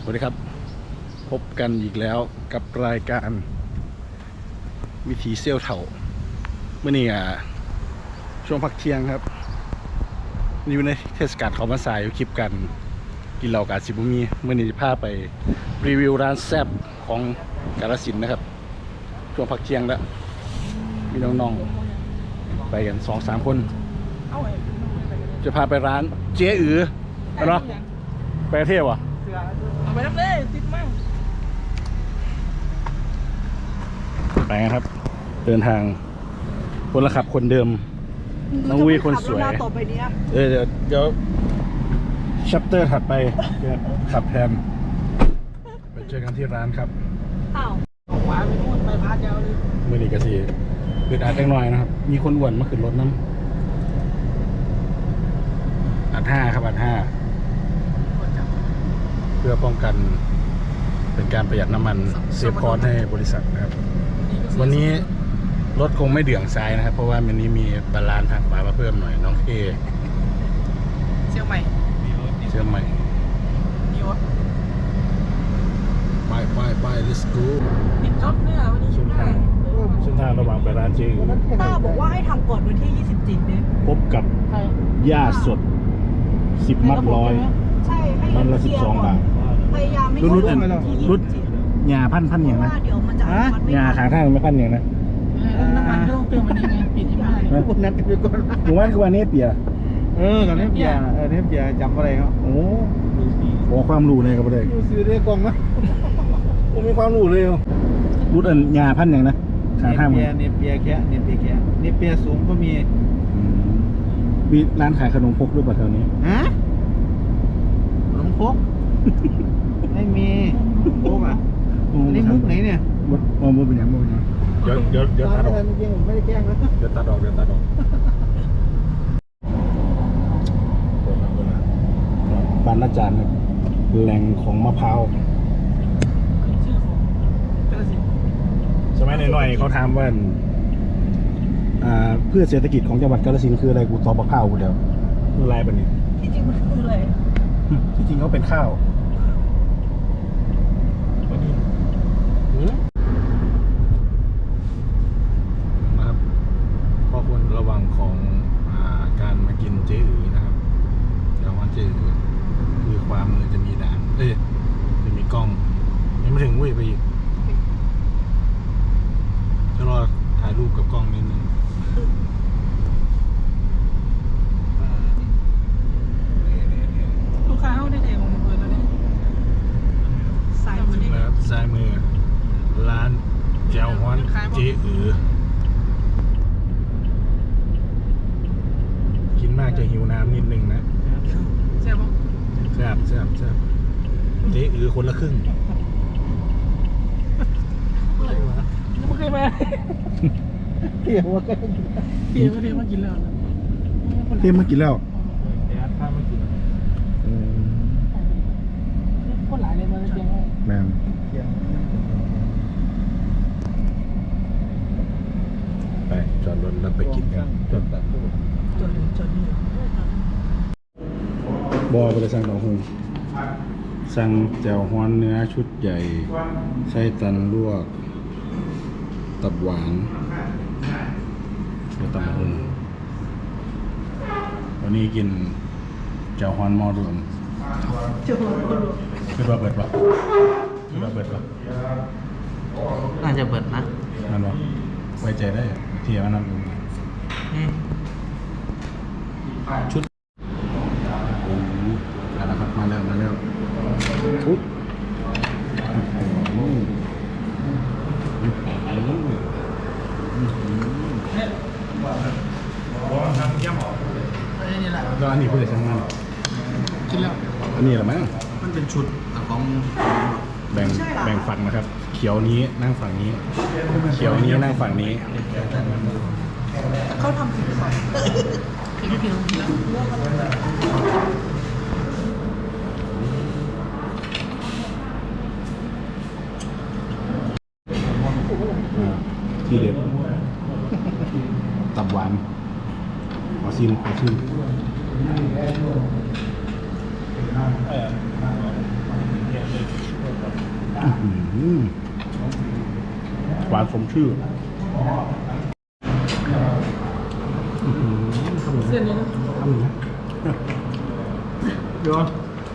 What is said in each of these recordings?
สวัสดีครับพบกันอีกแล้วกับรายการวิถีเซี่ยวเถ่าเมื่อนี้ช่วงพักเที่ยงครับอยู่ในเทศกาลเขามาสายคลิปกันกินเหล้ากาซิบุมีเมื่อนี้จะพาไปรีวิวร้านแซ่บของกาฬสินธุ์นะครับช่วงพักเที่ยงแล้วมีน้องๆไปกัน 2-3 คนจะพาไปร้านเจ๊อือเนาะไปเที่ยวอ่ะไปน้ำเลยติดมากไปครับเดินทางคนละขับคนเดิมน้องวีคนสวยเดี๋ยวชัปเตอร์ถัดไปขับแทนไปเจอกันที่ร้านครับอ้าวขวาไปนู่นไปพาเจ้าเลยมือนี้กะสีคืออาดจังหน่อยนะครับมีคนอ้วนมาขึ้นรถน้ำอัด5ครับอัด5เพื่อป้องกันเป็นการประหยัดน้ำมันเซฟคอร์สให้บริษัทนะครับวันนี้รถคงไม่เดื่องซ้ายนะครับเพราะว่าวันนี้มีบาลานซ์ทางขวามาเพิ่มหน่อยน้องเคเชียงใหม่นี่วะไป let's go ติดรถเนี่ยวันนี้เส้นทางระหว่างไปร้านเจ๊อือป้าบอกว่าให้ทำก่อนวันที่27เนี่ยพบกับหญ้าสด10 มัดร้อยใช่มัดละ12 บาทพยายามไม่รุดหญ้าพันอย่างนะเดี๋ยวมันจะหญ้าขางทางไม่พันอย่างนะน้ำมันก็ต้องเติมวันนี้ไงปิดที่บ้านคุณนัดกันไปก่อนหมู่บ้านคือวันนี้เปียตอนนี้เปียเทปเปียจำอะไรครับโอ้ขอความรู้เลยครับเลยดูซื้อได้กองไหมผมมีความรู้เลยรุดหญ้าพันอย่างนะขางทางเปียแค่เปียสูงก็มีร้านขายขนมครกหรือเปล่าแถวนี้ขนมครกไม่มีครกอ่ะนี่มุกไหนเนี่ยมุกเป็นอย่างเดี๋ยวตัดออกจริงผมไม่ได้แกล้งนะเดี๋ยวตัดออกบ้านอาจารย์ครับแหล่งของมะพร้าวชื่อของกาฬสินธุ์สมัยหน่อยเขาถามว่าเพื่อเศรษฐกิจของจังหวัดกาฬสินธุ์คืออะไรกูตอบมะพร้าวกูเดียวคืออะไรแบบนี้ที่จริงมันคืออะไรที่จริงเขาเป็นข้าวนะครับข้อควรระวังของการมากินเจ๊อือนะครับแต่ว่าเจ๊อือคือความมือจะมีด่านจะมีกล้องยังไม่ถึงวิ่งไปอีกจะรอถ่ายรูปกับกล้องนิดนึงลูกค้าเข้าได้แต่ของเปิดแล้วเนี่ยซ้ายมือร้านแจ่วฮ้อนเจ๊อือกินมากจะหิวน้ำนิดนึงนะแซ่บปะแซ่บเจ๊อือคนละครึ่งไม่เคยมาเปียว่าก็เปียมากินแล้วเตรียมมากินแล้วถ้าไม่กินคนหลายเลยมาเปียแม่ไปจอดรถแล้วไปกินกันจดนี่บอยไปเลยสั่งดอกหูสั่งแจ่วฮ้อนเนื้อชุดใหญ่ไส้ตันลวกตับหวานแล้วตับหูวันนี้กินแจ่วฮ้อนหม้อรวมคือว่าเบิดปะน่าจะเปิดนะนั่นวะไว้ใจได้เทียมนั่นชุดนะครับมาแล้วอุ๊บแล้วอันนี้เพื่อช่างมันกินแล้วอันนี้เหรอมั้งมันเป็นชุดของแบ่งฝั่งนะครับเขียวนี้นั่งฝั่งนี้เขียวนี้นั่งฝั่งนี้เขาทำผิดก่อนกินแล้วที่เด็ดตับหวานขอชิมหวานสมชื่อเส้นนี้นะทำหนึ่งนะเดี๋ยว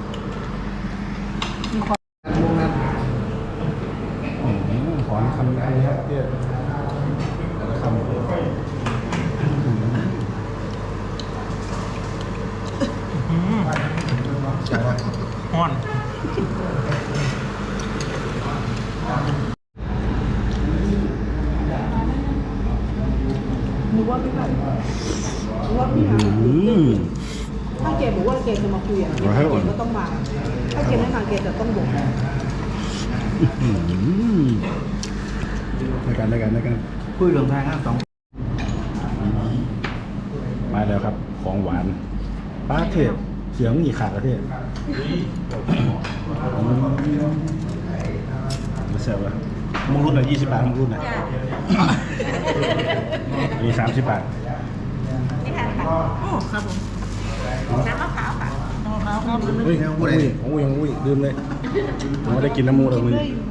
ขอนคำนี้ครับเนี่ยคำฮ้อนหนูว่าพี่แบบหนูว่าพี่หาถ้าเกดบอกว่าเกดจะมาคุยอ่ะเกดก็ต้องมา ถ้าเกดไม่มาเกดจะต้องบอกในการคุยเรื่องทางนะสองมาแล้วครับของหวานป้าเทพเสียงอีกขาดประเทศไม่ใช่ป่ะมึงรุ่นไหน20 บาทมึงรุ่นไหนมี30 บาทโอ้ครับผมน้ำมะพร้าวค่ะน้ำมะพร้าวครับเฮ้ยของอุ้ยลืมเลยผมไม่ได้กินน้ำมูกเลยมึง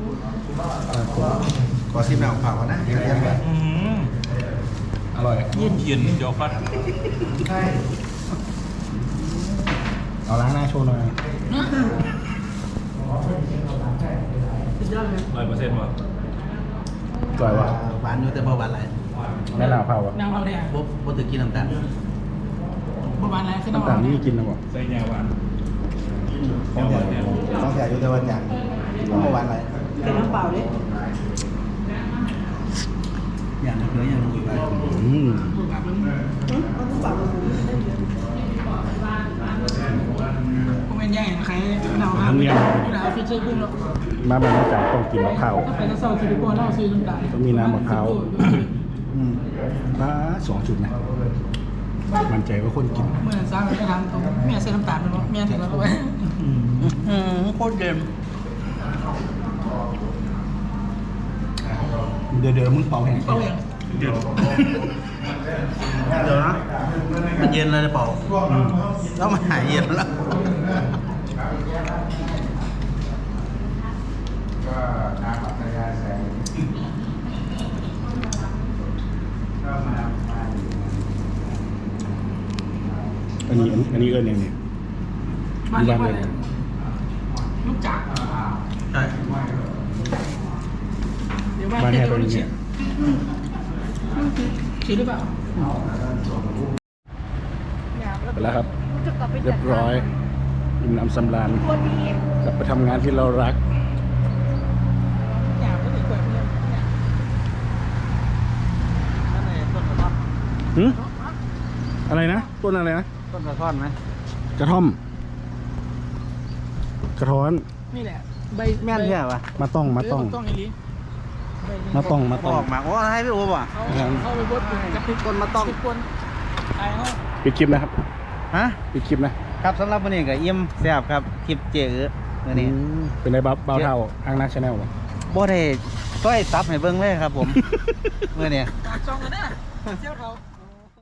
ขอซิมหน่อยเปล่าวะนะเดี๋ยวเรียกแบบอร่อยเย็นเดี๋ยวฟัดใช่เอาล้างหน้าโชว์หน่อยสุดยอดเลย 100%ว่ะอร่อยว่ะหวานอยู่แต่บ่หวานอะไรแม่ลาวเผาอ่ะนางเราเนี่ยบ่ถือกินน้ำตาลประมาณไหนขึ้นน้ำตาลนี่กินนะบ่ใส่แนวหวานต้องแถวอยู่แต่วันอย่างบ่หวานอะไรเกดน้ำเปล่าดิอย่างนั้นอย่างนู้นไปเอาน้ำเปล่ามาคุยผมเป็นย่างใครเราครับเราฟิชเชอร์กุ้งแล้วมาแบบนี้จากต้องกินมะพร้าวถ้าไปก็เศร้าซิลิโคนเราซื้อน้ำตาลต้องมีน้ำมะพร้าวป้า2 จุดนะมันใจว่าคนกินเมื่อสร้างไม่ทำตรงแม่ใส่น้ำตาลไปมั้งแม่ถึงแล้วก็ไปโคตรเดิมเดี๋ยวมึงเป่าแห้งเอาอย่างเดี๋ยวนะมันเย็นเลยเปล่าแล้วมันหายเย็นแล้วอันนี้เอิ้นยังไงบ้านเรียกว่าอะไรลูกจักรใช่เดี๋ยวบ้านบ้านเรีแห่ยกตัวว่านี้เฉียดคิดหรือเปล่าไปแล้วครับ เรียบร้อยอิ่มน้ำสำราญกลับไปทำงานที่เรารักอยากก็ถือกล้วยเพื่อนหึอะไรนะต้นอะไรนะต้นกระท่อนไหมกระท่อม กระท้อนนี่แหละใบแม่นใช่ปะมาต้องต้องอีลีมาต้องออกมาโอ้ให้พี่โอ้ป่ะเข้าไปบดกับพริกคนมาต้องคนไอ้เขาปิดคลิปนะครับฮะปิดคลิปนะครับสำหรับวันนี้ก็อิ่มแซ่บครับคลิปเจ๋อมื้อนี้เป็นไงบ้าวเท่าอ้างนักชาแนลวะบ่ได้ต้อยซับให้เบิ่งเลยครับผม มื้อนี้ปากจองกันนะเจ้าเขา